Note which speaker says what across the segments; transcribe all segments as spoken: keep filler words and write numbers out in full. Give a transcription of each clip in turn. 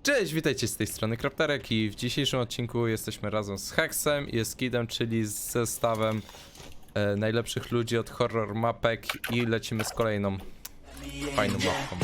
Speaker 1: Cześć, witajcie z tej strony Krapterek i w dzisiejszym odcinku jesteśmy razem z Hexem i Eskidem, czyli z zestawem e, najlepszych ludzi od horror mapek i lecimy z kolejną fajną mapką.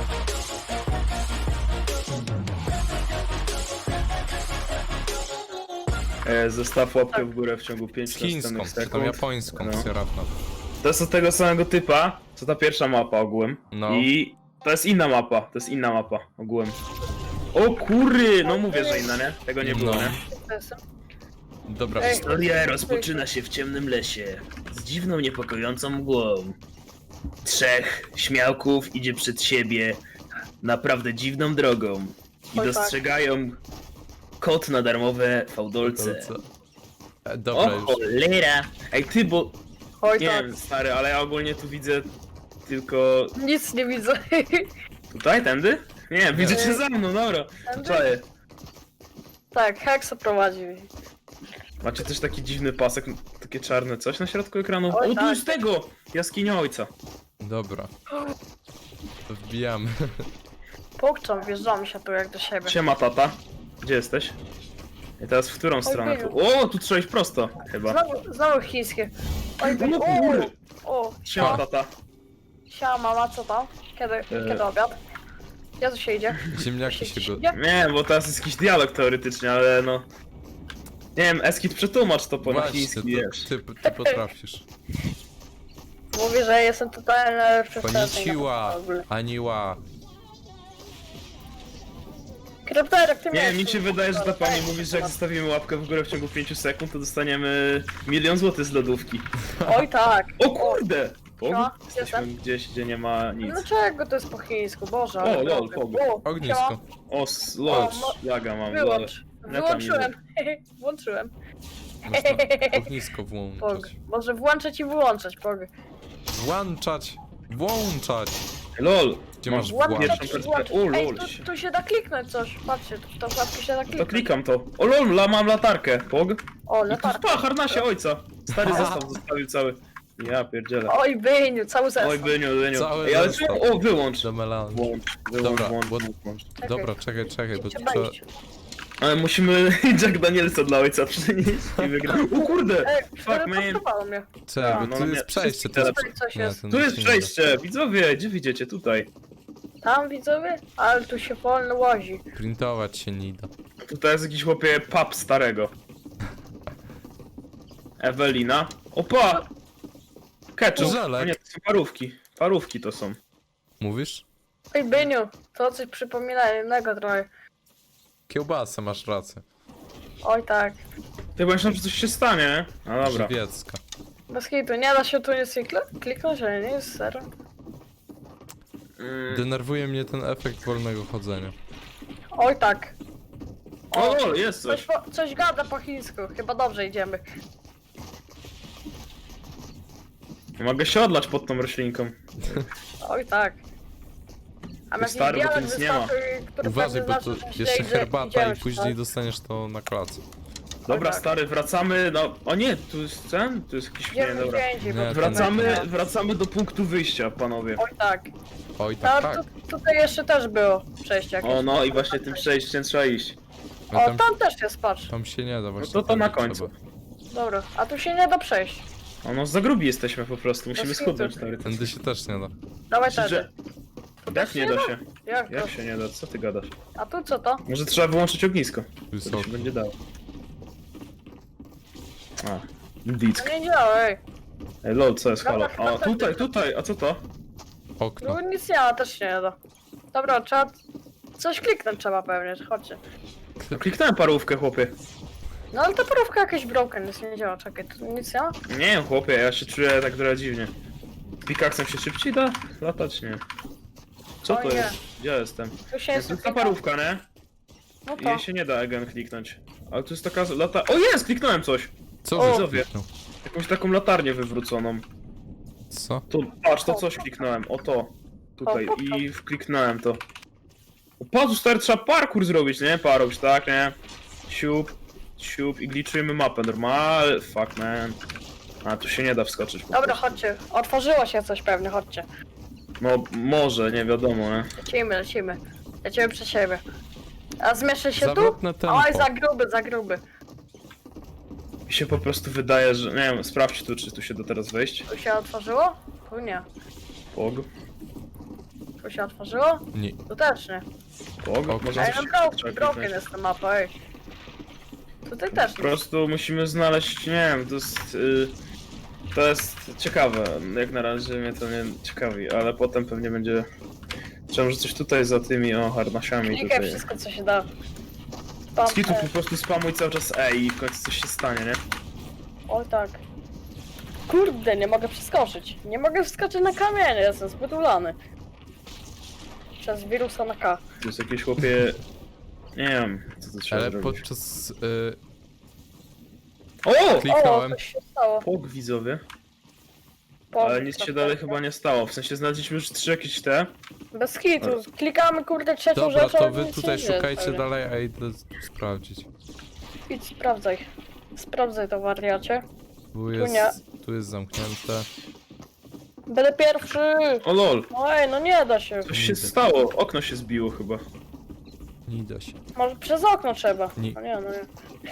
Speaker 2: E, Zostaw łapkę w górę w ciągu
Speaker 1: Z
Speaker 2: pięciu
Speaker 1: chińską,
Speaker 2: następnych
Speaker 1: czy
Speaker 2: sekund.
Speaker 1: tą japońską,
Speaker 2: No.
Speaker 1: no.
Speaker 2: To jest od tego samego typa, co ta pierwsza mapa ogółem.
Speaker 1: No.
Speaker 2: I to jest inna mapa, to jest inna mapa ogółem. O kury! No mówię, że inna, nie? Tego nie było,
Speaker 1: No.
Speaker 2: nie?
Speaker 1: Dobra,
Speaker 3: Ej.
Speaker 2: Historia rozpoczyna się w ciemnym lesie, z dziwną, niepokojącą mgłą. Trzech śmiałków idzie przed siebie naprawdę dziwną drogą i
Speaker 3: Oj, tak.
Speaker 2: dostrzegają kod na darmowe
Speaker 1: to
Speaker 2: fałdolce.
Speaker 1: co? E,
Speaker 2: O
Speaker 1: Dobra, już.
Speaker 2: cholera! Ej ty, bo
Speaker 3: Oj
Speaker 2: nie
Speaker 3: tak,
Speaker 2: wiem, stary, ale ja ogólnie tu widzę tylko
Speaker 3: nic nie widzę.
Speaker 2: tutaj, tędy? Nie, widzę cię za mną, dobra.
Speaker 3: Tędy?
Speaker 2: Czaję.
Speaker 3: Tak, Hexa prowadzi.
Speaker 2: Macie też taki dziwny pasek, takie czarne coś na środku ekranu?
Speaker 3: Oj,
Speaker 2: O, tu
Speaker 3: tak.
Speaker 2: jest tego! Jaskinia ojca.
Speaker 1: Dobra. To wbijamy.
Speaker 3: Pokczam, wjeżdżamy się tu jak do siebie.
Speaker 2: Siema tata. Gdzie jesteś? I teraz w którą stronę? Tu? O, tu trzeba iść prosto, chyba.
Speaker 3: Znowu, znowu chińskie. Oj,
Speaker 2: No
Speaker 3: o,
Speaker 2: kurde.
Speaker 3: o,
Speaker 2: Siema
Speaker 3: siema,
Speaker 2: tata.
Speaker 3: siema mama, co tam? Kiedy,
Speaker 2: E.
Speaker 3: kiedy obiad? Gdzie tu się idzie?
Speaker 1: Ziemniaki się go...
Speaker 3: idzie?
Speaker 2: Nie, bo teraz jest jakiś dialog teoretycznie, ale no... Nie wiem, Eskid, przetłumacz to po na
Speaker 1: Właśnie,
Speaker 2: chiński,
Speaker 1: to,
Speaker 2: wiesz.
Speaker 1: ty, ty potrafisz.
Speaker 3: Mówię, że jestem tutaj najlepszy
Speaker 1: Konnichiwa, Aniła.
Speaker 3: Krypterek, ty
Speaker 2: Nie wiem,
Speaker 3: miałeś
Speaker 2: mi się
Speaker 3: tu-
Speaker 2: wydaje, że ta pani
Speaker 3: Ej,
Speaker 2: mówi, że jak zostawimy łapkę w górę w ciągu pięciu sekund, to dostaniemy milion złotych z lodówki.
Speaker 3: Oj tak.
Speaker 2: O kurde! Pog?
Speaker 3: No,
Speaker 2: Jesteśmy
Speaker 3: jestem.
Speaker 2: gdzieś, gdzie nie ma nic.
Speaker 3: Dlaczego to jest po chińsku? Boże, ale
Speaker 2: O, lol,
Speaker 3: dobry.
Speaker 2: pog.
Speaker 3: O,
Speaker 1: Ognisko.
Speaker 3: siema.
Speaker 2: O, s- lol,
Speaker 3: O, mo-
Speaker 2: laga mam, lol.
Speaker 3: Wyłącz.
Speaker 2: Ja tam
Speaker 3: Wyłączyłem. Włączyłem.
Speaker 1: Można ognisko
Speaker 3: Pog.
Speaker 1: włączać.
Speaker 3: Może włączać i wyłączać, Pog.
Speaker 1: Włączać! Włączać!
Speaker 2: Lol,
Speaker 1: Gdzie masz
Speaker 3: Włączać
Speaker 1: włączać?
Speaker 2: Pierwszą
Speaker 3: i wyłączać.
Speaker 2: O, lol,
Speaker 3: Ej, tu,
Speaker 2: się-
Speaker 3: tu się da kliknąć coś. Patrzcie, tu w tą klapkę się da
Speaker 2: to
Speaker 3: kliknąć.
Speaker 2: klikam to. O lol, la, mam latarkę, pog.
Speaker 3: O,
Speaker 2: I tu
Speaker 3: latarka.
Speaker 2: pa, harnasie ojca. Stary zestaw zostawił cały. Ja pierdzielę.
Speaker 3: Oj, Byniu, cały zestaw.
Speaker 2: Oj, Byniu, Byniu.
Speaker 1: Cały
Speaker 2: Ej, ale
Speaker 1: zestaw.
Speaker 2: czemu? O, wyłącz.
Speaker 1: Do melanży.
Speaker 2: Włącz, wyłącz,
Speaker 1: Dobra,
Speaker 2: włącz,
Speaker 1: bo-
Speaker 2: włącz, włącz.
Speaker 3: Czekaj.
Speaker 1: Dobra, czekaj, czekaj, bo
Speaker 3: Trzeba
Speaker 1: trzeba...
Speaker 3: iść.
Speaker 2: Ale musimy Jack Danielsa dla ojca przynieść i wygrać. O kurde!
Speaker 3: Ej,
Speaker 2: Fuck, man.
Speaker 3: teleportowało mnie.
Speaker 1: Czekaj,
Speaker 2: A,
Speaker 1: bo
Speaker 2: no
Speaker 1: tu
Speaker 2: nie,
Speaker 1: jest przejście,
Speaker 2: wszyscy
Speaker 1: to jest...
Speaker 3: Tutaj coś
Speaker 1: Nie,
Speaker 3: jest.
Speaker 1: to
Speaker 2: Tu
Speaker 1: nic
Speaker 2: jest
Speaker 1: nie da.
Speaker 2: przejście, widzowie, gdzie widzicie? Tutaj.
Speaker 3: Tam widzowie? Ale tu się wolno łazi.
Speaker 1: Printować się nie da.
Speaker 2: Tutaj jest jakiś chłopie pap starego. Ewelina. Opa! Ketchup.
Speaker 1: Żelek.
Speaker 2: O nie, to są parówki. Parówki to są.
Speaker 1: Mówisz?
Speaker 3: Oj, Byniu, to coś przypomina innego trochę.
Speaker 1: Kiełbasę, masz rację.
Speaker 3: Oj tak.
Speaker 2: Ty, bo myślałem, że coś się stanie, nie? No dobra.
Speaker 1: Żywiecka.
Speaker 3: Bez hitu, nie da się tu nic kliknąć? Kliknąć, ale nie jest serio.
Speaker 2: Mm.
Speaker 1: Denerwuje mnie ten efekt wolnego chodzenia.
Speaker 3: Oj tak.
Speaker 2: O, o, jest
Speaker 3: Coś,
Speaker 2: coś.
Speaker 3: po, coś gada po chińsku, chyba dobrze idziemy.
Speaker 2: Mogę się odlać pod tą roślinką.
Speaker 3: Oj tak. A
Speaker 2: Ty stary, bo tu nic nie ma.
Speaker 1: Uważaj, bo tu jeszcze herbata i później
Speaker 3: do...
Speaker 1: dostaniesz to na klatce.
Speaker 2: Dobra,
Speaker 3: tak.
Speaker 2: stary, wracamy, no... O nie, tu jest ten? Tu jest jakiś... Nie,
Speaker 3: Idziemy
Speaker 2: dobra.
Speaker 3: gdzie indziej,
Speaker 1: Nie,
Speaker 3: bo
Speaker 1: to
Speaker 2: Wracamy,
Speaker 3: nie.
Speaker 2: wracamy do punktu wyjścia, panowie.
Speaker 3: Oj tak.
Speaker 1: Oj, tak,
Speaker 3: A
Speaker 1: tak.
Speaker 3: tu, tutaj jeszcze też było przejście jakieś.
Speaker 2: O no i właśnie tym przejściem trzeba iść.
Speaker 1: No
Speaker 3: O,
Speaker 1: tam,
Speaker 3: tam też jest, patrz.
Speaker 1: tam się nie da właśnie.
Speaker 2: to to
Speaker 1: tam
Speaker 2: na
Speaker 1: trzeba.
Speaker 2: końcu.
Speaker 3: Dobra, a tu się nie da przejść.
Speaker 2: O no, za grubi jesteśmy po prostu, musimy
Speaker 3: Bez
Speaker 2: schudnąć,
Speaker 3: hitu.
Speaker 2: stary.
Speaker 1: Tędy się też nie da.
Speaker 3: Dawaj
Speaker 2: Myślisz,
Speaker 3: tady.
Speaker 2: że... Jak nie da się?
Speaker 3: Jak to?
Speaker 2: Jak się nie da? Co ty gadasz?
Speaker 3: A tu co to?
Speaker 2: Może trzeba wyłączyć ognisko. To
Speaker 1: Wysoko.
Speaker 2: się będzie dało. A, dick.
Speaker 3: No nie działa, ej.
Speaker 2: Ej, lol, co jest, halo?
Speaker 3: Dobra,
Speaker 2: A,
Speaker 3: dobra,
Speaker 2: tutaj,
Speaker 3: dobra.
Speaker 2: tutaj, a co to?
Speaker 1: Okno.
Speaker 3: Tu nic nie ma, też się nie da. Dobra, trzeba... Coś kliknąć trzeba pewnie, chodźcie.
Speaker 2: No, kliknąłem parówkę, chłopie.
Speaker 3: No ale ta parówka jakaś broken, nic nie działa, czekaj, tu nic nie ma?
Speaker 2: Nie wiem, chłopie, ja się czuję tak trochę dziwnie. Pikaksem się szybciej da? Latać nie. Co
Speaker 3: O
Speaker 2: to
Speaker 3: nie.
Speaker 2: jest? Gdzie ja jestem?
Speaker 3: Tu się
Speaker 2: Jest
Speaker 3: jest
Speaker 2: ta parówka, nie?
Speaker 3: No
Speaker 2: I
Speaker 3: to.
Speaker 2: jej się nie da again kliknąć. Ale tu jest taka z- lata... O jest! Kliknąłem coś!
Speaker 1: Co
Speaker 3: O.
Speaker 1: żeś
Speaker 2: Widzowie.
Speaker 1: kliknął?
Speaker 2: Jakąś taką latarnię wywróconą.
Speaker 1: Co?
Speaker 2: Tu, patrz, to coś kliknąłem, o to. Tutaj,
Speaker 3: O, po co?
Speaker 2: i wkliknąłem to. O, patrz, stary, trzeba parkour zrobić, nie? Parować, tak, nie? Siup, siup i gliczymy mapę, normal, fuck man. A, tu się nie da wskoczyć po
Speaker 3: Dobra,
Speaker 2: prostu.
Speaker 3: chodźcie. Otworzyło się coś pewnie, chodźcie.
Speaker 2: No, może, nie wiadomo, nie?
Speaker 3: Lecimy, lecimy. Lecimy przed siebie. A zmieszczę się tu?
Speaker 1: Zawrotne tempo.
Speaker 3: Oj, za gruby, za gruby.
Speaker 2: Mi się po prostu wydaje, że... Nie wiem, sprawdź tu, czy tu się da teraz wejść.
Speaker 3: Tu się otworzyło? Tu nie.
Speaker 2: Pog,
Speaker 3: Tu się otworzyło?
Speaker 1: Nie.
Speaker 3: Tu też nie.
Speaker 2: pog,
Speaker 1: Pog.
Speaker 2: może
Speaker 3: Ej,
Speaker 2: coś
Speaker 3: no broken,
Speaker 2: trzeba
Speaker 3: broken
Speaker 2: kliknąć.
Speaker 3: jest ta mapa, ej. Tutaj też
Speaker 2: Po
Speaker 3: nie.
Speaker 2: prostu musimy znaleźć, nie wiem, to jest... Y, to jest ciekawe, jak na razie mnie to nie ciekawi, ale potem pewnie będzie... Trzeba, że coś tutaj za tymi, o, harnasiami
Speaker 3: Klikaj
Speaker 2: tutaj.
Speaker 3: wszystko, co się da. Spam,
Speaker 2: Skitu
Speaker 3: e,
Speaker 2: po prostu spamuj cały czas E i w końcu coś się stanie, nie?
Speaker 3: O tak. Kurde, nie mogę przeskoczyć. Nie mogę wskoczyć na kamienie, jestem zbyt ulany. Przez wirusa na K.
Speaker 2: Tu jest jakieś chłopie... Nie wiem, co to trzeba
Speaker 1: Ale
Speaker 2: zrobić.
Speaker 1: podczas... Y,
Speaker 2: O!
Speaker 3: O,
Speaker 1: klikałem.
Speaker 3: coś się stało.
Speaker 2: Pog, widzowie.
Speaker 3: Po-
Speaker 2: Ale nic się dalej chyba nie stało, w sensie znaleźliśmy już trzy jakieś te.
Speaker 3: Bez hitu. Klikamy kurde trzecią
Speaker 1: Dobra,
Speaker 3: rzecz,
Speaker 1: to
Speaker 3: ale
Speaker 1: wy
Speaker 3: nic
Speaker 1: tutaj
Speaker 3: nie dzieje
Speaker 1: szukajcie
Speaker 3: zupełnie.
Speaker 1: dalej, a idę sprawdzić.
Speaker 3: Idź, sprawdzaj. Sprawdzaj to, wariacie.
Speaker 1: Tu
Speaker 3: nie.
Speaker 1: jest, tu jest zamknięte.
Speaker 3: Będę pierwszy!
Speaker 2: O lol,
Speaker 3: Oj, no nie da się.
Speaker 2: coś się stało, okno się zbiło chyba.
Speaker 1: Nie da się.
Speaker 3: Może przez okno trzeba.
Speaker 1: Nie.
Speaker 3: No nie, no nie.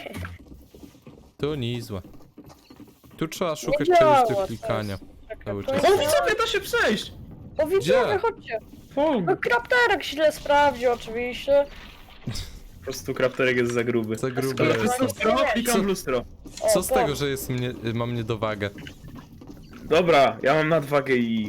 Speaker 1: Tu nie złe. Tu trzeba szukać
Speaker 3: Nie
Speaker 1: czegoś
Speaker 3: działa
Speaker 1: do
Speaker 3: to.
Speaker 1: klikania.
Speaker 3: Czekaj,
Speaker 1: Cały
Speaker 3: to
Speaker 1: czas.
Speaker 3: jest-
Speaker 2: O widzowie, da się przejść!
Speaker 3: O widzowie,
Speaker 1: Gdzie?
Speaker 3: chodźcie.
Speaker 2: Pog!
Speaker 3: No krapterek źle sprawdził oczywiście.
Speaker 2: Po prostu krapterek jest za gruby.
Speaker 1: Za grube
Speaker 3: Dobra,
Speaker 2: To
Speaker 1: jest
Speaker 2: jest
Speaker 1: to.
Speaker 2: lustro, klikam
Speaker 1: Co-
Speaker 2: w lustro.
Speaker 3: O,
Speaker 1: Co z
Speaker 3: to.
Speaker 1: tego, że jest mnie, mam niedowagę?
Speaker 2: Dobra, ja mam nadwagę i...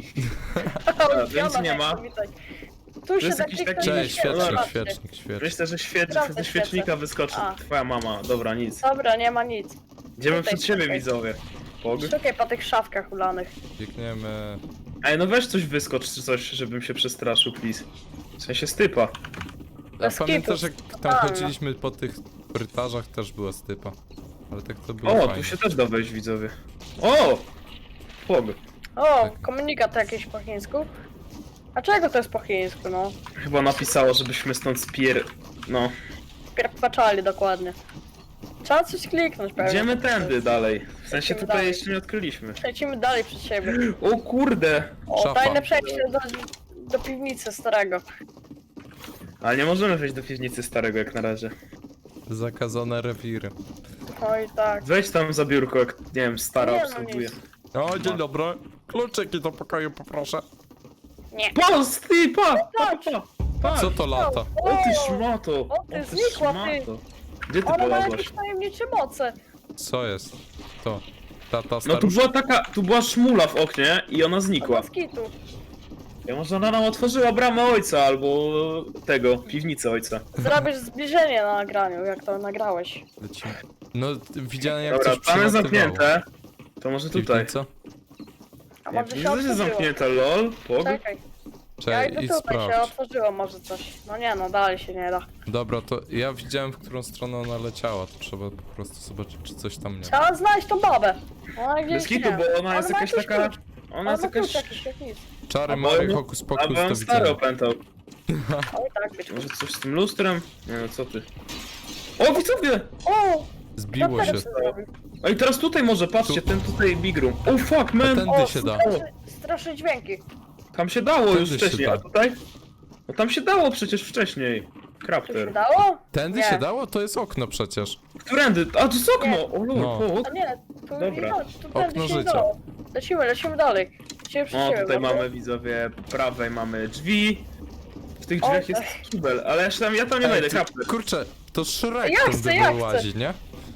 Speaker 3: O,
Speaker 2: nic
Speaker 3: Fiona,
Speaker 2: nie ma.
Speaker 3: witaj. Tu się
Speaker 2: jest
Speaker 3: da
Speaker 2: jakiś
Speaker 3: kliknąć
Speaker 2: taki-
Speaker 3: i
Speaker 1: Cześć,
Speaker 3: się
Speaker 1: świecznik,
Speaker 3: zobaczy.
Speaker 1: świecznik, świecznik.
Speaker 2: Myślę, że świec...
Speaker 3: Sprawdzę
Speaker 2: ze świecznika
Speaker 3: świecę.
Speaker 2: wyskoczy
Speaker 3: A.
Speaker 2: twoja mama. Dobra, nic.
Speaker 3: Dobra, nie ma nic.
Speaker 2: Idziemy
Speaker 3: Tutaj,
Speaker 2: przed siebie,
Speaker 3: tutaj.
Speaker 2: widzowie. Pog.
Speaker 3: Szukaj po tych szafkach ulanych.
Speaker 1: Biegniemy.
Speaker 2: Ej, no weź coś wyskocz czy coś, żebym się przestraszył, please. W sensie stypa.
Speaker 1: A
Speaker 3: Bez
Speaker 1: pamiętasz,
Speaker 3: kitu,
Speaker 1: jak tam
Speaker 3: totalnie.
Speaker 1: chodziliśmy po tych korytarzach, też była stypa. Ale tak to było
Speaker 2: O,
Speaker 1: fajnie.
Speaker 2: tu się też da wejść, widzowie. O! Pog.
Speaker 3: O,
Speaker 1: Tak.
Speaker 3: komunikat jakiś po chińsku. A czego to jest po chińsku, no?
Speaker 2: Chyba napisało, żebyśmy stąd spier... No.
Speaker 3: Pierpaczali dokładnie. Trzeba coś kliknąć pewnie.
Speaker 2: Idziemy tędy dalej. W sensie
Speaker 3: Idziemy
Speaker 2: tutaj
Speaker 3: dalej.
Speaker 2: jeszcze nie odkryliśmy.
Speaker 3: Lecimy dalej przed siebie.
Speaker 2: O kurde!
Speaker 3: O,
Speaker 1: Szafa.
Speaker 3: tajne przejście do, do piwnicy starego.
Speaker 2: Ale nie możemy wejść do piwnicy starego jak na razie.
Speaker 1: Zakazane rewiry.
Speaker 3: Oj tak.
Speaker 2: Wejdź tam za biurko, jak nie wiem, stara
Speaker 3: Nie, no
Speaker 2: obsługuje.
Speaker 3: nic.
Speaker 1: O, dzień dobry. Kluczyki do pokoju poproszę.
Speaker 3: Nie.
Speaker 2: Patrz, ty, pa! Pa,
Speaker 3: Patrz.
Speaker 2: pa, pa!
Speaker 1: Co to lata?
Speaker 2: O ty szmato!
Speaker 3: O, ty znikła, ty.
Speaker 2: szmato. Gdzie ty
Speaker 3: Ona ma
Speaker 2: polazłaś?
Speaker 3: jakieś tajemnicze moce.
Speaker 1: Co jest? To. Tata
Speaker 2: No tu
Speaker 1: staruszka.
Speaker 2: była taka, tu była szmula w oknie i ona znikła.
Speaker 3: Od skitu.
Speaker 2: Ja może ona nam otworzyła bramę ojca albo tego, piwnicę ojca.
Speaker 3: Zrobisz zbliżenie na nagraniu, jak to nagrałeś.
Speaker 1: Lecimy. No, widziałem jak
Speaker 2: Dobra,
Speaker 1: coś
Speaker 2: tam jest
Speaker 1: przelatywało.
Speaker 2: zamknięte. To może tutaj.
Speaker 1: Piwnica?
Speaker 3: A
Speaker 2: Nie,
Speaker 3: może się
Speaker 2: piwnica jest
Speaker 3: otworzyło.
Speaker 2: zamknięte, lol. Pog.
Speaker 3: Czekaj. Ja
Speaker 1: Czekaj,
Speaker 3: idę
Speaker 1: idź
Speaker 3: tutaj, się
Speaker 1: sprawdź.
Speaker 3: otworzyło może coś. No nie no, dalej się nie da.
Speaker 1: Dobra, to ja widziałem, w którą stronę ona leciała. To trzeba po prostu zobaczyć, czy coś tam nie ma.
Speaker 3: Trzeba znaleźć tą babę. Ona gdzieś
Speaker 2: Bez kitu,
Speaker 3: nie.
Speaker 2: bo ona jest
Speaker 3: ma
Speaker 2: jakaś
Speaker 3: jakiś
Speaker 2: taka...
Speaker 3: klucz.
Speaker 2: Ona
Speaker 3: Ona
Speaker 2: jest
Speaker 3: ma klucz
Speaker 2: jakaś...
Speaker 3: jakiś, jak nic.
Speaker 1: Czary,
Speaker 2: A
Speaker 1: mary,
Speaker 2: bo-
Speaker 1: hokus
Speaker 2: A
Speaker 1: pokus,
Speaker 2: bo
Speaker 1: do
Speaker 2: on stary
Speaker 1: widzenia.
Speaker 2: opętał.
Speaker 3: Oj tak, być
Speaker 2: Może coś z tym lustrem? Nie no, co ty? O, widzowie!
Speaker 3: O!
Speaker 1: Zbiło
Speaker 3: Kraterek
Speaker 1: się.
Speaker 3: sobie zrobił.
Speaker 2: Ej, teraz tutaj może, patrzcie, ten tutaj big room. Oh fuck, man!
Speaker 1: Tędy
Speaker 3: O,
Speaker 1: się da.
Speaker 3: straszy- Straszne dźwięki.
Speaker 2: Tam się dało
Speaker 1: Tędy
Speaker 2: już
Speaker 1: się
Speaker 2: wcześniej,
Speaker 1: da.
Speaker 2: a tutaj? No tam się dało przecież wcześniej.
Speaker 3: Tu się
Speaker 2: Crafter.
Speaker 3: dało?
Speaker 1: Tędy
Speaker 3: Nie.
Speaker 1: się dało? To jest okno przecież.
Speaker 2: Którędy? A, to jest okno! O lol,
Speaker 1: No.
Speaker 2: o,
Speaker 3: A nie, tu
Speaker 2: Dobra.
Speaker 3: nie da, tu
Speaker 1: Okno
Speaker 3: tędy się nie
Speaker 1: życia.
Speaker 3: dało. Lecimy, lecimy dalej. Lecimy przy
Speaker 2: O,
Speaker 3: siebie,
Speaker 2: tutaj
Speaker 3: dobra?
Speaker 2: mamy, widzowie, po prawej mamy drzwi. W tych
Speaker 3: O,
Speaker 2: drzwiach jest
Speaker 3: tak.
Speaker 2: kibel, ale jeszcze tam, ja tam nie wejdę,
Speaker 1: ty,
Speaker 2: Crafter.
Speaker 1: kurczę, to Shrek
Speaker 3: Ja
Speaker 1: tam
Speaker 3: chcę,
Speaker 1: by
Speaker 3: ja
Speaker 1: był
Speaker 3: chcę.
Speaker 1: łazi, nie?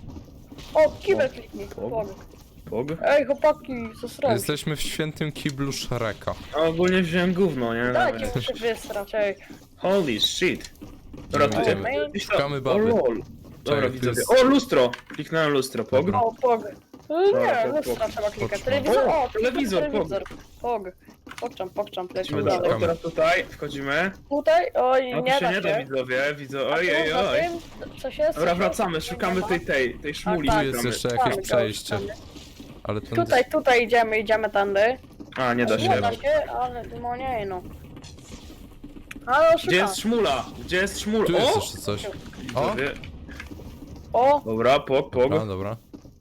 Speaker 3: O, kibel kliknij.
Speaker 2: O.
Speaker 3: Pog.
Speaker 2: Pog.
Speaker 3: Ej, chłopaki, co srobisz?
Speaker 1: Jesteśmy w świętym kiblu Shreka.
Speaker 2: A ogólnie wziąłem gówno, nie?
Speaker 3: Dajcie
Speaker 2: Nawet.
Speaker 3: mu się wysrać, ej.
Speaker 2: Holy shit. Dobra,
Speaker 1: Idziemy,
Speaker 2: tu
Speaker 1: idziemy.
Speaker 2: gdzieś
Speaker 1: Szukamy
Speaker 2: O
Speaker 1: baby.
Speaker 2: lol. Dobra,
Speaker 1: Czekaj, tu
Speaker 2: widzowie.
Speaker 1: jest-
Speaker 2: O, lustro! Kliknąłem lustro, pog.
Speaker 1: Dobra.
Speaker 3: O, pog.
Speaker 2: Dobra,
Speaker 3: Nie,
Speaker 2: pog,
Speaker 3: lustra
Speaker 2: pog.
Speaker 3: trzeba klikać.
Speaker 1: Poczam.
Speaker 3: Telewizor,
Speaker 2: O,
Speaker 3: o,
Speaker 2: telewizor, pog.
Speaker 3: telewizor. Pog. Pokczam, pokczam, lecimy
Speaker 2: Lecimy
Speaker 1: Dobra,
Speaker 2: dalej.
Speaker 3: dalej.
Speaker 2: O, teraz tutaj, wchodzimy.
Speaker 3: Tutaj, oj,
Speaker 2: No tu
Speaker 3: nie
Speaker 2: się
Speaker 3: da
Speaker 2: nie da,
Speaker 3: się.
Speaker 2: widzowie, widzę.
Speaker 3: A
Speaker 2: Oj,
Speaker 3: tu
Speaker 2: oj,
Speaker 3: za
Speaker 2: oj.
Speaker 3: tym Coś jest?
Speaker 2: Dobra,
Speaker 3: Coś
Speaker 2: wracamy,
Speaker 3: jest?
Speaker 2: szukamy
Speaker 3: Nie ma?
Speaker 2: tej, tej, tej szmuli.
Speaker 3: tak.
Speaker 1: Tu jest
Speaker 2: szukamy.
Speaker 1: jeszcze
Speaker 3: Szukamy,
Speaker 1: jakieś
Speaker 3: dalej,
Speaker 1: przejście.
Speaker 3: szukamy.
Speaker 1: Ale ten...
Speaker 3: Tutaj, tutaj idziemy, idziemy tędy.
Speaker 2: A, nie da
Speaker 3: Nie
Speaker 2: się.
Speaker 3: da się, ale no nie no. Ale
Speaker 2: Gdzie
Speaker 3: szukamy.
Speaker 2: jest szmula? Gdzie jest szmula?
Speaker 1: Tu jest
Speaker 2: O!
Speaker 1: jeszcze coś. O!
Speaker 2: Widzowie.
Speaker 3: O!
Speaker 2: Dobra, pog, pog.
Speaker 1: A, dobra.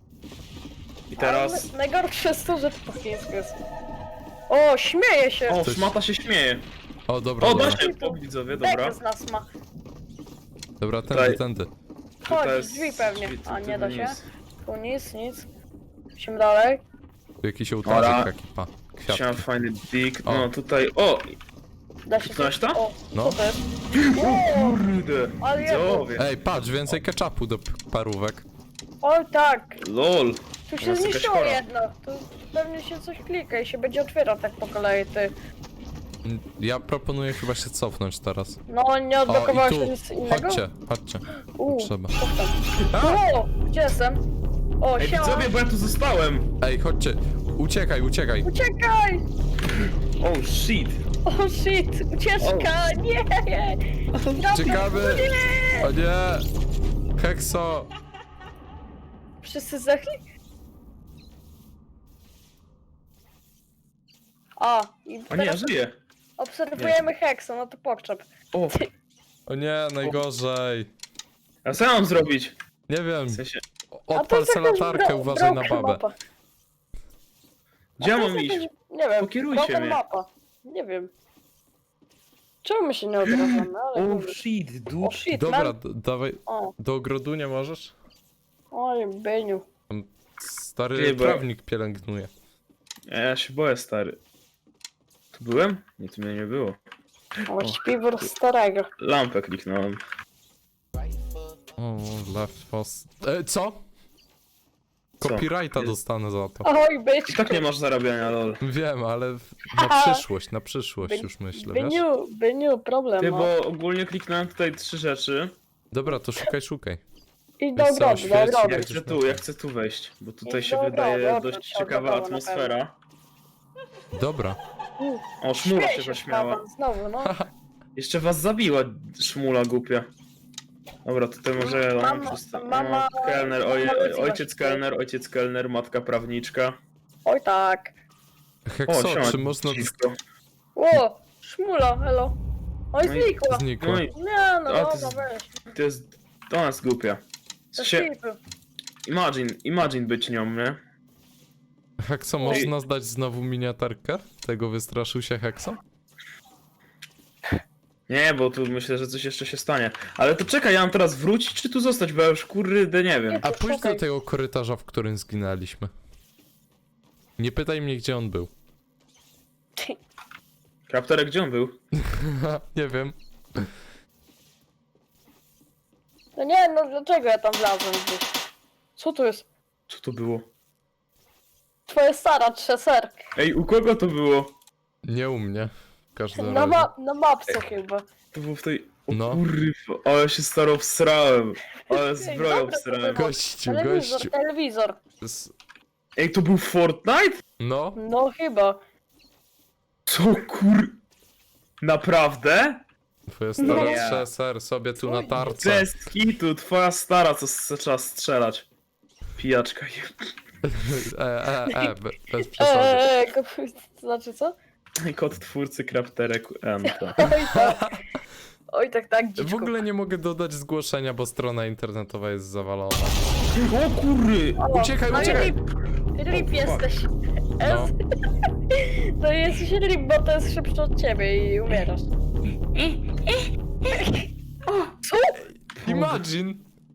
Speaker 2: I teraz...
Speaker 3: Ale najgorsze jest to, że to po chińsku jest. O, śmieje się!
Speaker 2: O,
Speaker 1: Coś-
Speaker 2: szmata się śmieje.
Speaker 1: O, dobra,
Speaker 2: O,
Speaker 1: dobra.
Speaker 2: da się, pog, widzowie, dobra.
Speaker 3: Bekę z nas ma.
Speaker 1: Dobra, tędy,
Speaker 2: Tutaj-
Speaker 1: tędy.
Speaker 2: Tutaj
Speaker 3: Chodź,
Speaker 2: jest
Speaker 3: drzwi pewnie.
Speaker 2: drzwi, tu-
Speaker 3: A,
Speaker 2: tu
Speaker 3: nie da
Speaker 2: nic.
Speaker 3: się. Tu nic, nic. Musimy dalej.
Speaker 1: Tu jakiś ołtarzyk
Speaker 2: Ora.
Speaker 1: taki, pa.
Speaker 2: Chciałem
Speaker 1: Kwiatki.
Speaker 2: fajny big.
Speaker 1: O.
Speaker 2: No tutaj. O!
Speaker 3: Da się
Speaker 2: Kliknąłeś
Speaker 3: coś-
Speaker 2: to?
Speaker 3: O,
Speaker 1: No.
Speaker 3: co to jest?
Speaker 2: Kurde!
Speaker 3: Ale ja-
Speaker 2: Widzowie!
Speaker 1: Ej, patrz, więcej ketchupu do p- parówek.
Speaker 3: Oj tak,
Speaker 2: LOL!
Speaker 3: tu się
Speaker 2: Jest jakaś
Speaker 3: zniszczyło
Speaker 2: chora.
Speaker 3: jedno. Tu pewnie się coś klika i się będzie otwierał tak po kolei, ty.
Speaker 1: Mm, Ja proponuję chyba się cofnąć teraz.
Speaker 3: No, nie
Speaker 1: O,
Speaker 3: odblokowałeś
Speaker 1: i tu.
Speaker 3: nic innego?
Speaker 1: Chodźcie, chodźcie.
Speaker 3: U,
Speaker 1: Trzeba.
Speaker 3: O, gdzie jestem? O,
Speaker 2: Ej,
Speaker 3: siema.
Speaker 2: widzowie, bo ja tu zostałem!
Speaker 1: Ej, chodźcie. Uciekaj, uciekaj.
Speaker 3: Uciekaj!
Speaker 2: Oh shit!
Speaker 3: O shit, ucieczka, nie!
Speaker 1: Ciekawy.
Speaker 3: Nie!
Speaker 1: O nie. Hekso.
Speaker 3: Wszyscy zdechli? A, i
Speaker 2: O nie, ja
Speaker 3: teraz
Speaker 2: żyję!
Speaker 3: obserwujemy Hexa, no to pokczep.
Speaker 2: O!
Speaker 1: O nie, najgorzej.
Speaker 2: A co ja mam zrobić?
Speaker 1: Nie wiem.
Speaker 2: W sensie.
Speaker 3: A to
Speaker 1: Odpal
Speaker 3: jest
Speaker 1: se
Speaker 3: jakaś
Speaker 1: latarkę,
Speaker 3: bro-
Speaker 1: uważaj na
Speaker 3: broken
Speaker 1: babę.
Speaker 3: mapa.
Speaker 2: Gdzie ja
Speaker 3: A to
Speaker 2: mam
Speaker 3: jest
Speaker 2: iść?
Speaker 3: jakaś, nie wiem,
Speaker 2: Pokierujcie
Speaker 3: broken
Speaker 2: mnie.
Speaker 3: mapa. Nie wiem. Czemu my się nie odrażamy, ale...
Speaker 2: Oh
Speaker 3: mówię.
Speaker 2: shit,
Speaker 3: O
Speaker 2: dude!
Speaker 3: shit,
Speaker 1: Dobra,
Speaker 3: man.
Speaker 1: d- dawaj.
Speaker 3: O,
Speaker 1: Do ogrodu nie możesz?
Speaker 3: oj, Beniu.
Speaker 1: Tam stary
Speaker 2: Nie, bo-
Speaker 1: trawnik pielęgnuje.
Speaker 2: Ja się boję, stary. Tu byłem? Nie, tu mnie nie było.
Speaker 3: O, śpiwór starego.
Speaker 2: Lampę kliknąłem.
Speaker 1: O, left post. E, co?
Speaker 2: Co?
Speaker 1: Copyrighta
Speaker 2: Nie.
Speaker 1: dostanę za to.
Speaker 3: Oj,
Speaker 2: I
Speaker 3: byczku.
Speaker 2: tak nie masz zarabiania, lol.
Speaker 1: Wiem, ale w- na
Speaker 3: Haha.
Speaker 1: przyszłość, na przyszłość
Speaker 3: By-
Speaker 1: już myślę, wiesz?
Speaker 3: Byniu, Byniu, problem
Speaker 2: Ty,
Speaker 3: ma.
Speaker 2: bo ogólnie kliknąłem tutaj trzy rzeczy.
Speaker 1: Dobra, to szukaj, szukaj.
Speaker 3: I do
Speaker 1: Wiesz co,
Speaker 3: ogrodu, do
Speaker 1: świeci,
Speaker 3: ogrodu.
Speaker 2: Ja
Speaker 1: jak-
Speaker 2: chcę tu, ja chcę tu wejść, bo tutaj
Speaker 3: I
Speaker 2: się
Speaker 3: dobra,
Speaker 2: wydaje
Speaker 3: dobra,
Speaker 2: dość
Speaker 3: się
Speaker 2: ciekawa
Speaker 3: odblokowało na
Speaker 2: atmosfera.
Speaker 1: Dobra.
Speaker 2: O, szmula
Speaker 3: Śmieje
Speaker 2: się
Speaker 3: się
Speaker 2: zaśmiała.
Speaker 3: Paweł, znowu, no.
Speaker 2: Jeszcze was zabiła, szmula głupia. Dobra, tutaj może
Speaker 3: Mama-
Speaker 2: mama,
Speaker 3: mama-
Speaker 2: kelner, oj,
Speaker 3: mama rodziła
Speaker 2: ojciec
Speaker 3: się.
Speaker 2: kelner, ojciec kelner, matka prawniczka.
Speaker 3: Oj tak.
Speaker 1: Hekso,
Speaker 2: siema,
Speaker 1: czy można...
Speaker 2: dziwko.
Speaker 3: O, szmula, hello. Oj,
Speaker 2: No i
Speaker 3: znikła.
Speaker 1: Znikło.
Speaker 2: No i
Speaker 3: Nie, no
Speaker 2: A, to
Speaker 3: dobra,
Speaker 2: jest-
Speaker 3: weź.
Speaker 2: to jest, to nas głupia.
Speaker 3: To
Speaker 2: Się,
Speaker 3: skipy.
Speaker 2: imagine, imagine być nią, nie?
Speaker 1: Hekso, można zdać znowu miniaturkę? Tego wystraszył się Hekso?
Speaker 2: Nie, bo tu myślę, że coś jeszcze się stanie. Ale to czekaj, ja mam teraz wrócić, czy tu zostać, bo ja już kurde nie wiem.
Speaker 1: A pójdź
Speaker 3: Szukaj.
Speaker 1: do tego korytarza, w którym zginęliśmy. Nie pytaj mnie, gdzie on był.
Speaker 2: Krapterek, gdzie on był?
Speaker 1: Nie wiem.
Speaker 3: No nie, no dlaczego ja tam wlazłem gdzieś? Co tu jest?
Speaker 2: Co to było?
Speaker 3: Twoja stara trzeser.
Speaker 2: Ej, u kogo to było?
Speaker 1: Nie u mnie. W każdym
Speaker 3: Na,
Speaker 1: razie.
Speaker 3: ma na mapce chyba.
Speaker 2: To było w tej... O
Speaker 1: No.
Speaker 2: kurwa, ale się staro wsrałem. Ale zbroję
Speaker 3: dobra, to
Speaker 2: wsrałem.
Speaker 3: było.
Speaker 1: Gościu,
Speaker 3: Telewizor,
Speaker 1: gościu.
Speaker 3: telewizor.
Speaker 1: S-
Speaker 2: Ej, to był Fortnite?
Speaker 1: No,
Speaker 3: No chyba.
Speaker 2: Co kur... Naprawdę?
Speaker 1: twoja stara
Speaker 2: Nie.
Speaker 1: trzeser sobie tu na tarce.
Speaker 2: Bez kitu, twoja stara, co s- trzeba strzelać. Pijaczka.
Speaker 1: E, e, e, be, bez przesady.
Speaker 3: Eee, ko- to znaczy co?
Speaker 2: Kod twórcy krapterek N. to.
Speaker 3: Oj tak. Oj tak, tak, dziczku.
Speaker 1: W ogóle nie mogę dodać zgłoszenia, bo strona internetowa jest zawalona.
Speaker 2: O kury!
Speaker 3: O,
Speaker 1: Uciekaj,
Speaker 3: no i
Speaker 1: uciekaj.
Speaker 3: Rip, rip
Speaker 2: fuck?
Speaker 3: jesteś.
Speaker 1: No.
Speaker 3: To jesteś rip, bo to jest szybsze od ciebie i umierasz. Co?
Speaker 1: Imagine!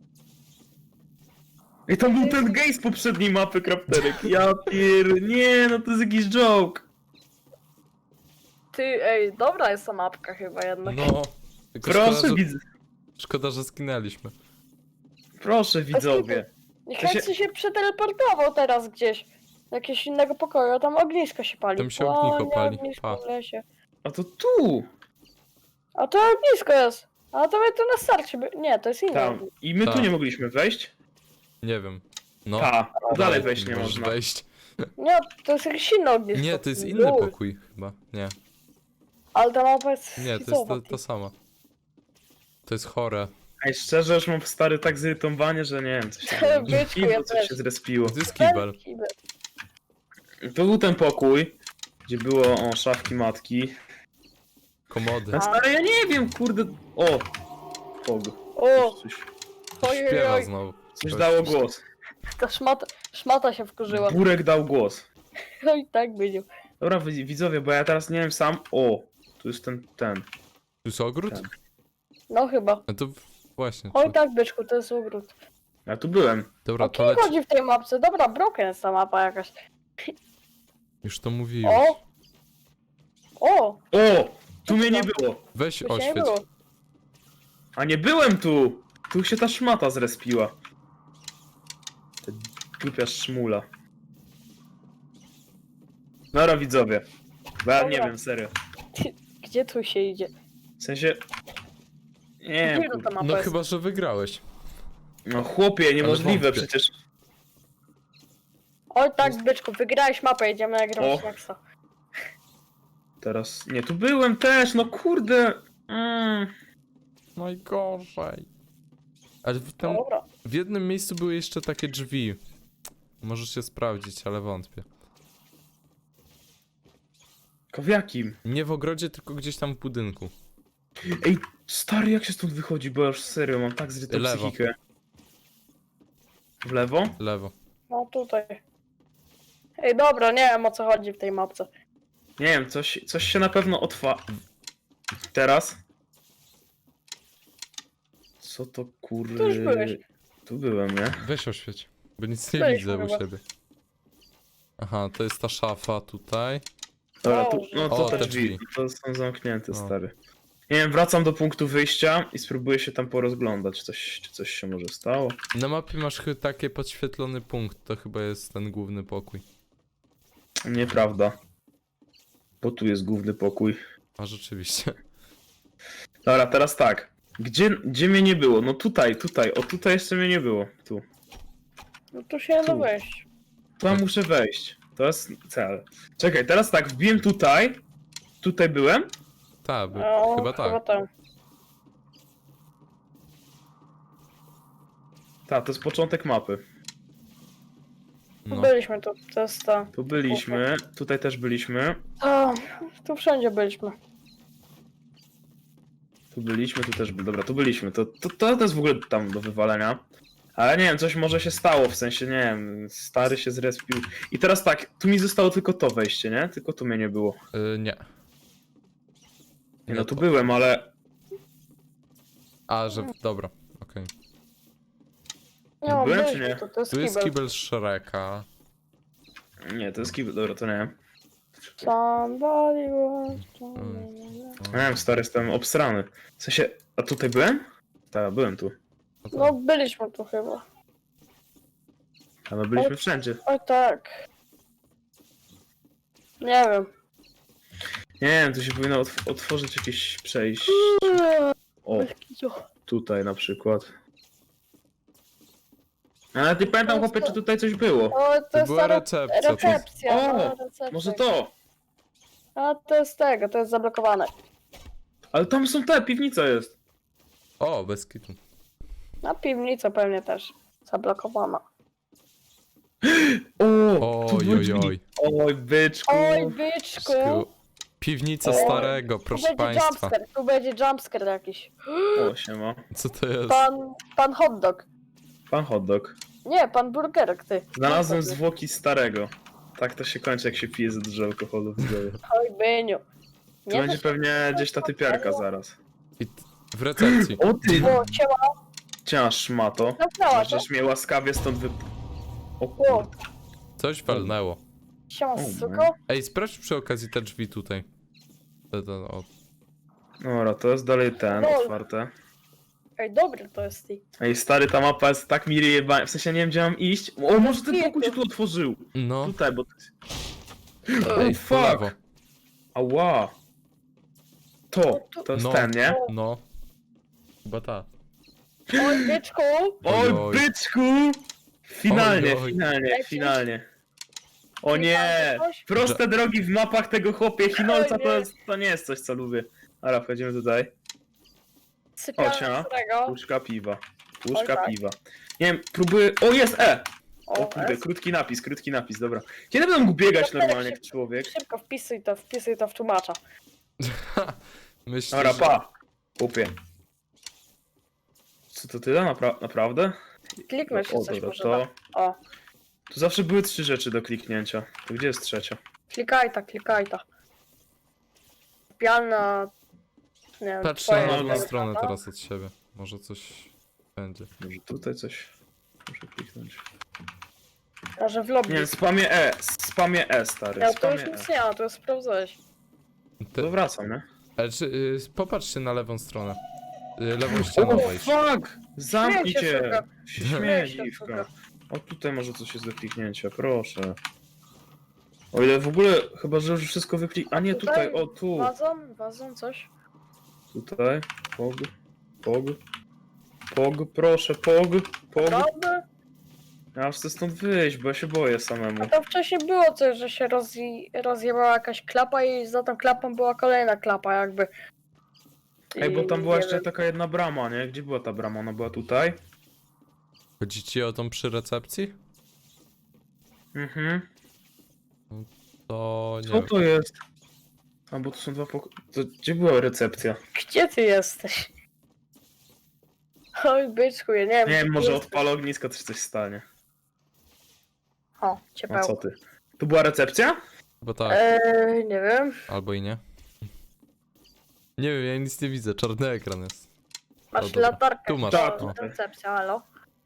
Speaker 2: Ej, tam był ten gej z poprzedniej mapy krapterek. Ja pier... Nie, no to jest jakiś joke.
Speaker 3: Ty, ej, dobra jest ta mapka chyba jednak.
Speaker 1: No. Tylko
Speaker 2: Proszę,
Speaker 1: szkoda, że,
Speaker 2: widz...
Speaker 1: szkoda, że zginęliśmy.
Speaker 2: Proszę widzowie.
Speaker 3: Niech
Speaker 2: to się-
Speaker 3: Heksy się przeteleportował teraz gdzieś. Do jakiegoś innego pokoju, a tam ognisko się pali.
Speaker 1: Tam się
Speaker 3: O,
Speaker 1: ognisko
Speaker 3: nie,
Speaker 1: pali,
Speaker 3: ognisko
Speaker 1: pa.
Speaker 3: w lesie.
Speaker 2: A to tu!
Speaker 3: A to ognisko jest. A to my tu na starcie by... Nie, to jest inne.
Speaker 2: Tam.
Speaker 3: ognisko.
Speaker 2: I my tu
Speaker 1: Tak.
Speaker 2: nie mogliśmy wejść?
Speaker 1: Nie wiem. No.
Speaker 2: Ta, dalej wejść nie
Speaker 1: możesz
Speaker 2: można.
Speaker 1: wejść.
Speaker 3: Nie, to jest jakieś inne ognisko.
Speaker 1: Nie, to jest inny
Speaker 3: Uj,
Speaker 1: pokój chyba. Nie.
Speaker 3: Ale ta mapa jest
Speaker 1: Nie, to jest
Speaker 3: schizowa,
Speaker 1: to, to samo. To jest chore.
Speaker 2: Ej, szczerze już mam stary tak zirytowanie, że nie wiem, coś się,
Speaker 3: Byczku, ja
Speaker 2: Piwo coś
Speaker 3: też.
Speaker 2: się zrespiło.
Speaker 1: To jest
Speaker 3: Ten
Speaker 1: kibel.
Speaker 3: kibel.
Speaker 2: To był ten pokój, gdzie było o szafki matki.
Speaker 1: Komody.
Speaker 2: A stary, ja nie wiem, kurde. O! Pog.
Speaker 3: O,
Speaker 2: Coś,
Speaker 3: ojej,
Speaker 1: Śpiewa
Speaker 3: oj,
Speaker 1: znowu.
Speaker 2: coś dało głos.
Speaker 3: ta szmata, szmata się wkurzyła.
Speaker 2: Burek dał głos.
Speaker 3: Oj, tak będzie.
Speaker 2: Dobra, wi- widzowie, bo ja teraz nie wiem sam. O! Tu jest ten, ten.
Speaker 1: Tu jest ogród?
Speaker 2: Tak.
Speaker 3: No chyba.
Speaker 1: No to w- Właśnie.
Speaker 3: Oj
Speaker 1: Tu.
Speaker 3: tak, byczku, to jest ogród.
Speaker 2: Ja tu byłem.
Speaker 1: Dobra,
Speaker 3: O
Speaker 1: to
Speaker 3: kim
Speaker 1: leci.
Speaker 3: chodzi w tej mapce? Dobra, broken jest ta mapa jakaś.
Speaker 1: Już to mówiłeś.
Speaker 3: O! O!
Speaker 2: O! Tu mnie nie było.
Speaker 1: Weź
Speaker 3: Tu się nie
Speaker 1: oświeć.
Speaker 3: było.
Speaker 2: A nie byłem tu! Tu się ta szmata zrespiła. Ta głupia szmula. Dobra widzowie. Bo ja nie
Speaker 3: Dobra.
Speaker 2: wiem, serio.
Speaker 3: Gdzie tu się idzie?
Speaker 2: W sensie... Nie wiem,
Speaker 3: Gdzie
Speaker 2: kur...
Speaker 3: ta mapa
Speaker 1: No
Speaker 3: jest?
Speaker 1: chyba, że wygrałeś.
Speaker 2: No chłopie, niemożliwe
Speaker 1: wątpię.
Speaker 2: przecież.
Speaker 3: Oj tak, byczku, wygrałeś mapę, jedziemy na
Speaker 2: O.
Speaker 3: grę Nexa.
Speaker 2: Teraz... Nie, tu byłem też, no kurde. Mm.
Speaker 1: Najgorzej. Ale w, tam,
Speaker 3: Dobra.
Speaker 1: w jednym miejscu były jeszcze takie drzwi. Możesz się sprawdzić, ale wątpię.
Speaker 2: Tylko w jakim?
Speaker 1: Nie w ogrodzie, tylko gdzieś tam w budynku.
Speaker 2: Ej, stary, jak się stąd wychodzi? Bo ja już serio mam tak zrytą
Speaker 1: Lewo.
Speaker 2: psychikę. W lewo?
Speaker 1: Lewo.
Speaker 3: No tutaj. Ej, dobra, nie wiem o co chodzi w tej mapce.
Speaker 2: Nie wiem, coś, coś się na pewno otwa... Teraz? Co to kur...
Speaker 3: Tu już byłeś.
Speaker 2: Tu byłem, nie?
Speaker 1: Weź oświeć, bo nic nie
Speaker 3: Byliśmy
Speaker 1: widzę u
Speaker 3: chyba.
Speaker 1: siebie. Aha, to jest ta szafa tutaj.
Speaker 2: Dobra, tu,
Speaker 3: Boże.
Speaker 2: no to
Speaker 1: O,
Speaker 2: te
Speaker 1: te
Speaker 2: drzwi,
Speaker 1: drzwi.
Speaker 2: to są zamknięte,
Speaker 1: No.
Speaker 2: stary. Nie wiem, wracam do punktu wyjścia i spróbuję się tam porozglądać, czy coś, czy coś się może stało.
Speaker 1: Na mapie masz chyba taki podświetlony punkt, to chyba jest ten główny pokój.
Speaker 2: Nieprawda. Bo tu jest główny pokój.
Speaker 1: A rzeczywiście.
Speaker 2: Dobra, teraz tak. Gdzie, gdzie mnie nie było? No tutaj, tutaj. O, tutaj jeszcze mnie nie było. Tu.
Speaker 3: No tu się nie da
Speaker 2: Tu.
Speaker 3: wejść.
Speaker 2: Tam muszę wejść. To jest cel. Czekaj, teraz tak, wbiłem tutaj. Tutaj byłem.
Speaker 1: Tak, by,
Speaker 3: O,
Speaker 1: chyba tak.
Speaker 3: Chyba tak.
Speaker 2: Tak, to jest początek mapy.
Speaker 1: No.
Speaker 3: Byliśmy tu, to jest ta.
Speaker 2: Tu byliśmy, tutaj też byliśmy.
Speaker 3: A, tu wszędzie byliśmy.
Speaker 2: Tu byliśmy, tu też, dobra, tu byliśmy. To, to, to, to jest w ogóle tam do wywalenia. Ale nie wiem, coś może się stało, w sensie, nie wiem, stary się zrespił. I teraz tak, tu mi zostało tylko to wejście, nie? Tylko tu mnie nie było.
Speaker 1: Y, nie.
Speaker 2: Nie, no tu
Speaker 1: to.
Speaker 2: byłem, ale...
Speaker 1: A, że. Dobra, okej.
Speaker 3: Nie, no,
Speaker 2: Byłem, czy
Speaker 3: byliśmy
Speaker 2: nie?
Speaker 3: tu, to jest
Speaker 1: Tu jest
Speaker 3: kibel.
Speaker 1: kibel Shreka.
Speaker 2: Nie, to jest kibel, dobra, to nie wiem.
Speaker 3: Somebody was...
Speaker 2: Nie wiem, stary, jestem obsrany. W sensie, a tutaj byłem? Tak, byłem tu.
Speaker 1: No to-
Speaker 3: No byliśmy tu chyba.
Speaker 2: A my byliśmy wszędzie.
Speaker 3: Oj tak. Nie wiem.
Speaker 2: Nie wiem, tu się powinno otw otworzyć jakieś przejść. O, tutaj na przykład. Ale nie pamiętam, chłopie, czy tutaj coś było.
Speaker 3: O, to
Speaker 1: To
Speaker 3: jest
Speaker 1: była
Speaker 3: ta re-
Speaker 1: recepcja. To...
Speaker 3: recepcja.
Speaker 2: O,
Speaker 3: no, recepcja.
Speaker 2: Może to?
Speaker 3: A to jest tego, to jest zablokowane.
Speaker 2: Ale tam są te, piwnica jest.
Speaker 1: O, bez kitu.
Speaker 3: Na piwnica pewnie też. Zablokowana.
Speaker 2: O, tu
Speaker 1: Oj,
Speaker 2: były
Speaker 1: oj,
Speaker 2: drzwi.
Speaker 1: oj.
Speaker 2: Oj, byczku.
Speaker 3: Oj, byczku!
Speaker 1: Sku- Piwnica
Speaker 2: O,
Speaker 1: starego,
Speaker 3: Tu
Speaker 1: proszę
Speaker 3: będzie
Speaker 1: państwa.
Speaker 3: jumpscare, tu będzie jumpscare jakiś.
Speaker 2: O, siema.
Speaker 1: Co to jest?
Speaker 3: Pan, pan hotdog.
Speaker 2: Pan hotdog.
Speaker 3: Nie, pan burgerek, ty.
Speaker 2: Znalazłem
Speaker 3: Hotdog.
Speaker 2: zwłoki starego. Tak to się kończy, jak się pije za dużo alkoholu w zdrowiu.
Speaker 3: Oj, byniu.
Speaker 2: Tu
Speaker 3: Nie
Speaker 2: będzie
Speaker 3: da
Speaker 2: pewnie gdzieś ta typiarka zaraz.
Speaker 1: I t- w recepcji.
Speaker 2: O ty,
Speaker 3: się- O, siema,
Speaker 2: cię szmato.
Speaker 3: zamknęła się.
Speaker 2: Możesz mnie łaskawie stąd wy... O
Speaker 3: O,
Speaker 2: kurde.
Speaker 1: Coś walnęło.
Speaker 3: siema,
Speaker 2: O,
Speaker 3: suko.
Speaker 1: Ej, sprawdź przy okazji te drzwi tutaj. Te, te, o.
Speaker 2: Dobra, to jest dalej ten,
Speaker 3: Lol.
Speaker 2: otwarte.
Speaker 3: Ej, dobry to jest ty.
Speaker 2: Ej, stary, ta mapa jest tak mi jeba... W sensie nie wiem, gdzie mam iść. O, może ten pokój się tu otworzył.
Speaker 1: No.
Speaker 2: Tutaj, bo...
Speaker 1: Ej,
Speaker 2: Oh,
Speaker 1: w
Speaker 2: fuck.
Speaker 1: lewo.
Speaker 2: Ała. To, to jest
Speaker 1: No.
Speaker 2: ten, nie?
Speaker 1: No. Chyba ta.
Speaker 3: Oj, byczku.
Speaker 2: Oj,
Speaker 1: oj.
Speaker 2: byczku! Finalnie,
Speaker 1: Oj, oj.
Speaker 2: finalnie,
Speaker 3: Ej,
Speaker 2: finalnie. O nie!
Speaker 3: Coś?
Speaker 2: Proste drogi w mapach tego chłopie Chinolca
Speaker 3: Oj,
Speaker 2: to,
Speaker 3: nie.
Speaker 2: jest, to nie jest coś, co lubię. Dobra, wchodzimy tutaj.
Speaker 3: Sypialnia
Speaker 2: O, siema.
Speaker 3: starego.
Speaker 2: Puszka piwa. Puszka
Speaker 3: Oj, tak.
Speaker 2: piwa. Nie wiem, próbuję... O, jest E! O
Speaker 3: O,
Speaker 2: kurde,
Speaker 3: jest.
Speaker 2: krótki napis, krótki napis, dobra. Kiedy będę mógł biegać
Speaker 3: To
Speaker 2: normalnie jak
Speaker 3: szybko.
Speaker 2: człowiek?
Speaker 3: Szybko wpisuj to, wpisuj to w tłumacza.
Speaker 1: Myślę,
Speaker 2: Dobra,
Speaker 1: że...
Speaker 2: pa! Chłopie. Co to tyle? Napra naprawdę?
Speaker 3: Kliknąć się
Speaker 2: O,
Speaker 3: coś
Speaker 2: dobra,
Speaker 3: może
Speaker 2: to...
Speaker 3: da. O,
Speaker 2: Tu zawsze były trzy rzeczy do kliknięcia. To gdzie jest trzecia?
Speaker 3: klikaj ta, klikaj ta. Sypialna... Nie wiem,
Speaker 1: Patrz
Speaker 3: twoja
Speaker 1: na
Speaker 2: no,
Speaker 1: drugą
Speaker 3: jest
Speaker 1: stronę
Speaker 3: prawda?
Speaker 1: teraz od siebie. Może coś będzie.
Speaker 2: Może tutaj coś muszę kliknąć.
Speaker 3: Może w lobby.
Speaker 2: Nie, spamie E, spamie E, stary,
Speaker 3: Ja to już
Speaker 2: spamie
Speaker 3: nic
Speaker 2: E.
Speaker 3: nie ma, to już sprawdzałeś.
Speaker 2: To wracam, nie?
Speaker 1: Ale czy, y, popatrzcie na lewą stronę. Y, lewą ścianą
Speaker 2: O,
Speaker 1: wejść.
Speaker 2: fuck! Zamknij
Speaker 3: Śmiej się,
Speaker 2: cię!
Speaker 3: suka.
Speaker 2: Się
Speaker 3: Śmiej
Speaker 2: śmieje,
Speaker 3: się,
Speaker 2: dziwka.
Speaker 3: suka.
Speaker 2: O, tutaj może coś jest do kliknięcia, proszę. O ile w ogóle, chyba że już wszystko wyklik... A nie, tutaj, o tu.
Speaker 3: Wazon, wazon, coś?
Speaker 2: Tutaj, pog, pog, pog, proszę, pog, pog.
Speaker 3: Prawda?
Speaker 2: Ja już chcę stąd wyjść, bo ja się boję samemu.
Speaker 3: A tam wcześniej było coś, że się rozji rozjebała jakaś klapa i za tą klapą była kolejna klapa jakby.
Speaker 2: Ej, bo tam
Speaker 3: I
Speaker 2: była
Speaker 3: nie
Speaker 2: jeszcze
Speaker 3: wiem.
Speaker 2: taka jedna brama, nie? Gdzie była ta brama? Ona była tutaj?
Speaker 1: Chodzi ci o tą przy recepcji?
Speaker 2: Mhm.
Speaker 1: To nie
Speaker 2: Co
Speaker 1: wiem.
Speaker 2: to jest? A, bo to są dwa pokoje. Gdzie była recepcja?
Speaker 3: Gdzie ty jesteś? Oj, byczku, ja nie wiem.
Speaker 2: Nie wiem,
Speaker 3: gdzie
Speaker 2: może
Speaker 3: jesteś.
Speaker 2: odpalę ognisko, to się coś stanie.
Speaker 3: O,
Speaker 2: A
Speaker 3: ciepełko.
Speaker 2: co ty? Tu była recepcja?
Speaker 1: Bo tak,
Speaker 3: Eee, nie wiem.
Speaker 1: albo i nie. Nie wiem, ja nic nie widzę, czarny ekran jest.
Speaker 3: Masz
Speaker 1: dobra.
Speaker 3: latarkę.
Speaker 1: Tu masz,
Speaker 3: to
Speaker 2: no.
Speaker 3: recepcja, halo.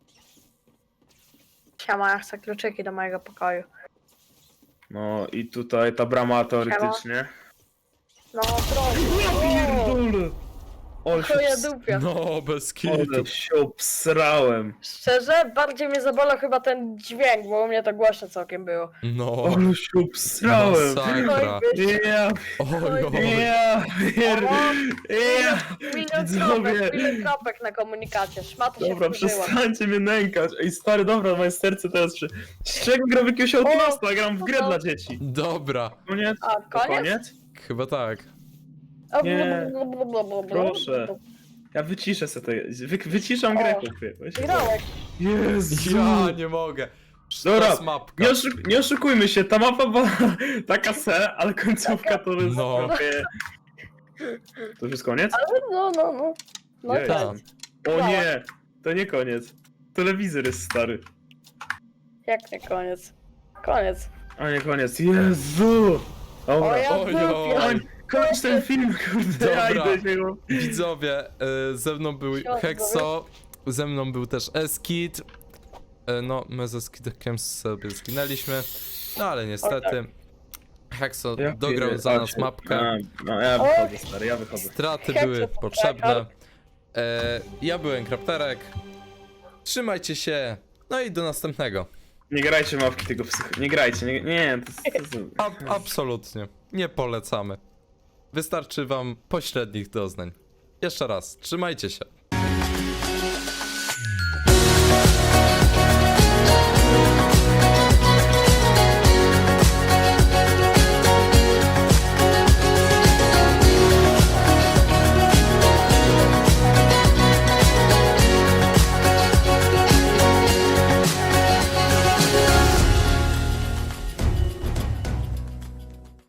Speaker 3: Siema, ja chcę kluczyki do mojego pokoju.
Speaker 2: No i tutaj ta brama teoretycznie.
Speaker 3: No, proszę. O,
Speaker 2: Pierdolę! O, się,
Speaker 3: Chuja
Speaker 2: ps...
Speaker 3: dupia.
Speaker 1: No, bez kitu.
Speaker 2: Ale się obsrałem.
Speaker 3: Szczerze, bardziej mnie zabolał chyba ten dźwięk, bo u mnie to głośno całkiem było.
Speaker 1: No,
Speaker 2: Ale się obsrałem.
Speaker 1: masakra.
Speaker 3: Oj, byś-
Speaker 2: Ja,
Speaker 1: Oj, oj.
Speaker 2: ja, pier...
Speaker 3: O,
Speaker 2: ja.
Speaker 3: milion
Speaker 2: Widzowie.
Speaker 3: kropek, milion kropek na komunikacie. Szmata się
Speaker 2: Dobra,
Speaker 3: wkurzyła.
Speaker 2: przestańcie mnie nękać. Ej, stary, dobra, moje serce teraz się... Z czego gram w jakiegoś Outlasta? Gram w grę
Speaker 3: no.
Speaker 2: dla dzieci.
Speaker 1: Dobra,
Speaker 2: Koniec?
Speaker 3: A,
Speaker 2: To
Speaker 3: koniec?
Speaker 2: koniec?
Speaker 1: chyba tak.
Speaker 3: O,
Speaker 2: Nie.
Speaker 3: blablabla.
Speaker 2: Proszę. Ja wyciszę sobie to. Wy, wyciszam
Speaker 3: O.
Speaker 2: grę, chłopie. Bo ja się boję.
Speaker 3: Grałeś.
Speaker 2: Jezu!
Speaker 1: Ja nie mogę. To
Speaker 2: Dobra,
Speaker 1: jest mapka.
Speaker 2: nie, oszuk nie oszukujmy się, ta mapa była taka se, ale końcówka to jest
Speaker 1: No.
Speaker 2: prawie... To już jest koniec?
Speaker 3: No, no, no. No
Speaker 2: Jej.
Speaker 3: tak.
Speaker 2: O nie! To nie koniec. Telewizor jest stary.
Speaker 3: Jak nie koniec? Koniec.
Speaker 2: A nie koniec. Jezu!
Speaker 3: O
Speaker 2: Dobra.
Speaker 3: ja
Speaker 1: Oj,
Speaker 3: dupia.
Speaker 1: oj.
Speaker 2: Kończ ten film, kurde, ja
Speaker 1: Dobra.
Speaker 2: idę się go...
Speaker 1: Widzowie, y, ze mną był
Speaker 3: Siema,
Speaker 1: Hexo, ze mną był też Eskid. Y, no, my ze Skidkiem sobie zginęliśmy, no ale niestety. Hexo
Speaker 2: Ja
Speaker 1: dograł
Speaker 2: pierdolę.
Speaker 1: za nas mapkę.
Speaker 2: A, no ja wychodzę, stary, ja wychodzę.
Speaker 1: Straty
Speaker 3: Hexo
Speaker 1: były
Speaker 3: to
Speaker 1: potrzebne.
Speaker 3: tryhard.
Speaker 1: E, ja byłem Krapterek. Trzymajcie się, no i do następnego.
Speaker 2: Nie grajcie mapki tego psycho... Nie grajcie, nie... Nie, to jest... To jest...
Speaker 1: A, absolutnie, nie polecamy. Wystarczy wam pośrednich doznań. Jeszcze raz, trzymajcie się.